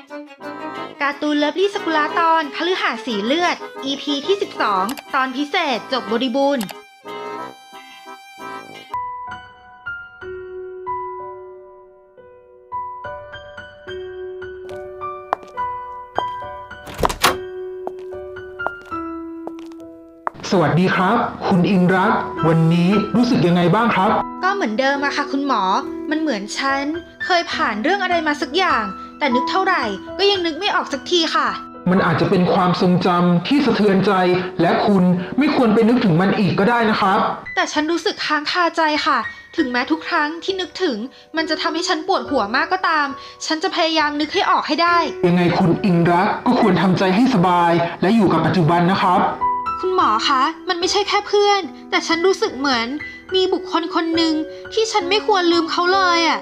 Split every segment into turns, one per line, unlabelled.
การ์ตูนเลิฟลี่สกุลาตอนคฤหาสน์สีเลือด EP ที่ 12 ตอนพิเศษจบบริบูรณ์
สวัสดีครับคุณอิงรักวันนี้รู้สึกยังไงบ้างครับ
ก็เหมือนเดิมอะค่ะคุณหมอมันเหมือนฉันเคยผ่านเรื่องอะไรมาสักอย่างแต่นึกเท่าไหร่ก็ยังนึกไม่ออกสักทีค่ะ
มันอาจจะเป็นความทรงจำที่สะเทือนใจและคุณไม่ควรไปนึกถึงมันอีกก็ได้นะครับ
แต่ฉันรู้สึกค้างคาใจค่ะถึงแม้ทุกครั้งที่นึกถึงมันจะทำให้ฉันปวดหัวมากก็ตามฉันจะพยายามนึกให้ออกให้ได้
ยังไงคุณอิงรักก็ควรทำใจให้สบายและอยู่กับปัจจุบันนะครับ
คุณหมอคะมันไม่ใช่แค่เพื่อนแต่ฉันรู้สึกเหมือนมีบุคคลคนหนึ่งที่ฉันไม่ควรลืมเขาเลยอะ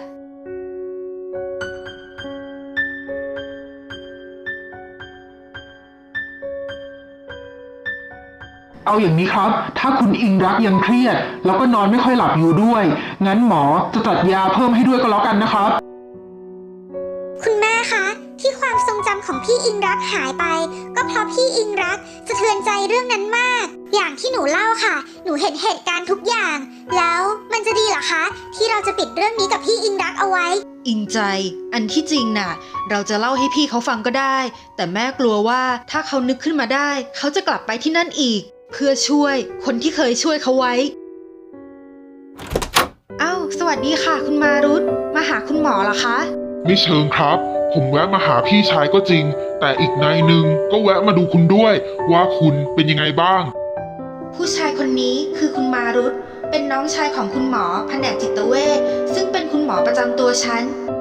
เอาอย่างนี้ครับถ้าคุณอิงรักยังเครียดแล้วก็นอนไม่ค่อยหลับอยู่ด้วยงั้นหมอจะจัดยาเพิ่มให้ด้วยก็แล้วกันนะครับ
คุณแม่คะที่ความทรงจำของพี่อิงรักหายไปก็เพราะพี่อิงรักสะเทือนใจเรื่องนั้นมากอย่างที่หนูเล่าค่ะหนูเห็นเหตุการณ์ทุกอย่างแล้วมันจะดีเหรอคะที่เราจะปิดเรื่องนี้กับพี่อิงรักเอาไว้
อิงใจอันที่จริงน่ะเราจะเล่าให้พี่เขาฟังก็ได้แต่แม่กลัวว่าถ้าเขานึกขึ้นมาได้เขาจะกลับไปที่นั่นอีกเพื่อช่วยคนที่เคยช่วยเขาไว้อ้าวสวัสดีค่ะคุณมารุตมาหาคุณหมอเหรอคะ
ไม่เชิงครับผมแวะมาหาพี่ชายก็จริงแต่อีกนายหนึ่งก็แวะมาดูคุณด้วยว่าคุณเป็นยังไงบ้าง
ผู้ชายคนนี้คือคุณมารุตเป็นน้องชายของคุณหมอแผนกจิตเวชซึ่งเป็นคุณหมอประจำตัวฉัน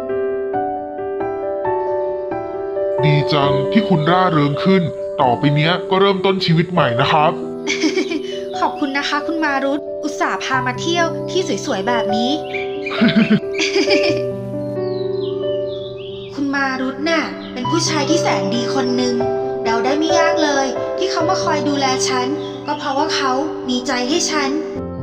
ดีจังที่คุณร่าเริงขึ้นต่อไปเนี้ยก็เริ่มต้นชีวิตใหม่นะครับ
ขอบคุณนะคะคุณมารุตอุตส่าห์พามาเที่ยวที่สวยๆแบบนี้ คุณมารุตน่ะเป็นผู้ชายที่แสนดีคนหนึ่งเดาได้ไม่ยากเลยที่เขามาคอยดูแลฉันก็เพราะว่าเขามีใจให้ฉัน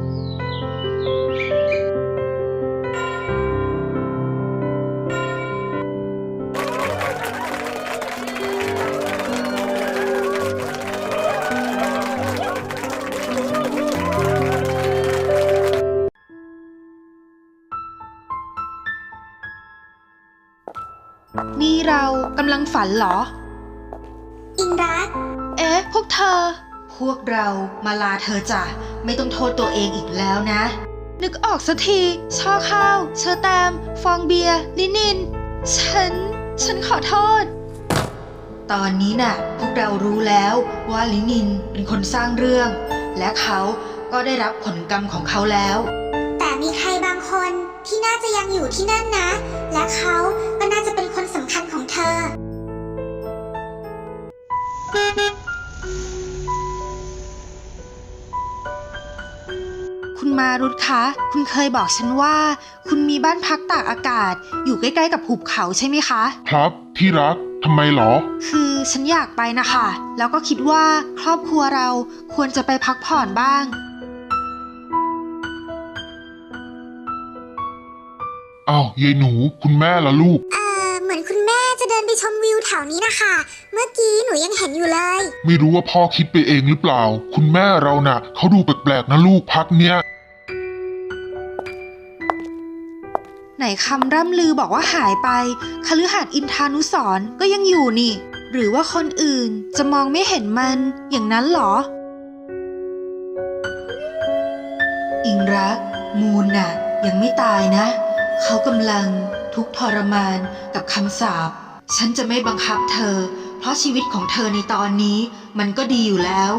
นี่เรากำลังฝันเหรอ
อิงรัก
พวกเธอพวกเรามาลาเธอจ้ะไม่ต้องโทษตัวเองอีกแล้วนะนึกออกสักทีช่อข้าวเชอแตมฟองเบียร์ลินินฉันขอโทษตอนนี้น่ะพวกเรารู้แล้วว่าลินินเป็นคนสร้างเรื่องและเขาก็ได้รับผลกรรมของเขาแล้ว
แต่มีใครบางคนที่น่าจะยังอยู่ที่นั่นนะและเขาก็น่าจะเป็นคนสำคัญของเธอ
คุณมารุตคะคุณเคยบอกฉันว่าคุณมีบ้านพักตากอากาศอยู่ใกล้ๆกับหุบเขาใช่ไหมคะ
ครับที่รักทำไมหรอ
คือฉันอยากไปนะคะแล้วก็คิดว่าครอบครัวเราควรจะไปพักผ่อนบ้าง
อ้าวยายหนูคุณแม่ล่ะลูก
เหมือนคุณแม่จะเดินไปชมวิวแถวนี้นะคะเมื่อกี้หนูยังเห็นอยู่เลย
ไม่รู้ว่าพ่อคิดไปเองหรือเปล่าคุณแม่เราน่ะเขาดูแปลกๆนะลูกพักเนี้ย
ไหนคำร่ำลือบอกว่าหายไปคฤหาสน์อินทานุสรณ์ก็ยังอยู่นี่หรือว่าคนอื่นจะมองไม่เห็นมันอย่างนั้นหรออิงรักมูลน่ะยังไม่ตายนะเขากำลังทุกข์ทรมานกับคำสาปฉันจะไม่บังคับเธอเพราะชีวิตของเธอในตอนนี้มันก็ดีอยู่แล้ว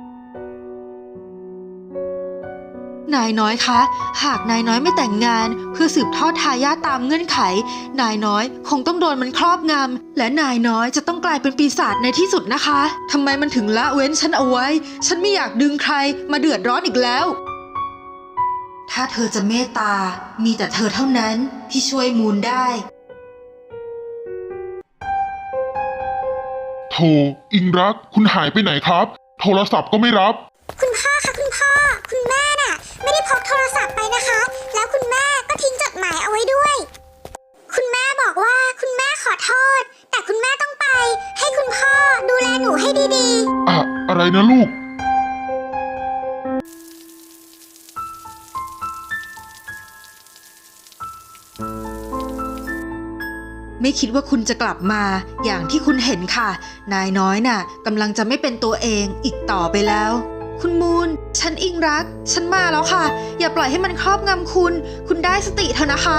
นายน้อยคะหากนายน้อยไม่แต่งงานเพื่อสืบทอดทายาทตามเงื่อนไขนายน้อยคงต้องโดนมันครอบงำและนายน้อยจะต้องกลายเป็นปีศาจในที่สุดนะคะทำไมมันถึงละเว้นฉันเอาไว้ฉันไม่อยากดึงใครมาเดือดร้อนอีกแล้วถ้าเธอจะเมตตามีแต่เธอเท่านั้นที่ช่วยมูลได้
โธ่อิงรักคุณหายไปไหนครับโทรศัพท์ก็ไม่รับ
คุณพ่อคะคุณพ่อคุณแม่น่ะไม่ได้พกโทรศัพท์ไปนะคะแล้วคุณแม่ก็ทิ้งจดหมายเอาไว้ด้วยคุณแม่บอกว่าคุณแม่ขอโทษแต่คุณแม่ต้องไป ให้คุณพ่อดูแลหนูให้ดี
อะไรนะลูก
ไม่คิดว่าคุณจะกลับมาอย่างที่คุณเห็นค่ะ นายน้อยน่ะกำลังจะไม่เป็นตัวเองอีกต่อไปแล้ว คุณมูนฉันอิงรัก ฉันมาแล้วค่ะ อย่าปล่อยให้มันครอบงำคุณ คุณได้สติเถอะนะคะ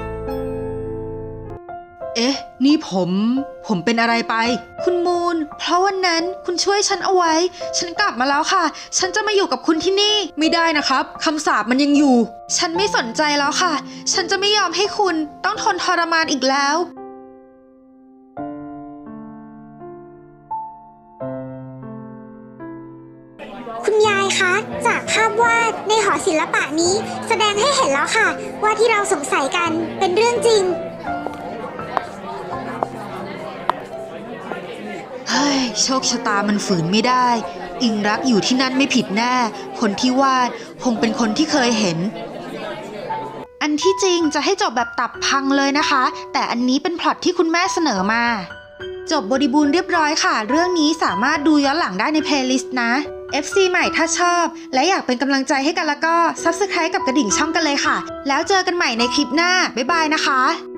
เอ๊ะ นี่ผมเป็นอะไรไป คุณมูนเพราะวันนั้นคุณช่วยฉันเอาไว้ ฉันกลับมาแล้วค่ะ ฉันจะมาอยู่กับคุณที่นี่ไม่ได้นะครับคำสาปมันยังอยู่ ฉันไม่สนใจแล้วค่ะ ฉันจะไม่ยอมให้คุณต้องทนทรมานอีกแล้ว
ๆ คุณยายคะ จากภาพวาดในหอศิลปะนี้ แสดงให้เห็นแล้วค่ะ ว่าที่เราสงสัยกันเป็นเรื่องจริง
เฮ้ยโชคชะตามันฝืนไม่ได้ อิงรักอยู่ที่นั่นไม่ผิดแน่ คนที่วาดคงเป็นคนที่เคยเห็น อันที่จริงจะให้จบแบบตับพังเลยนะคะ แต่อันนี้เป็นพล็อตที่คุณแม่เสนอมา จบบริบูรณ์เรียบร้อยค่ะ เรื่องนี้สามารถดูย้อนหลังได้ในเพลย์ลิสต์นะ FC ใหม่ถ้าชอบ และอยากเป็นกำลังใจให้กันแล้วก็ Subscribe กับกระดิ่งช่องกันเลยค่ะ แล้วเจอกันใหม่ในคลิปหน้า บ๊ายบายนะคะ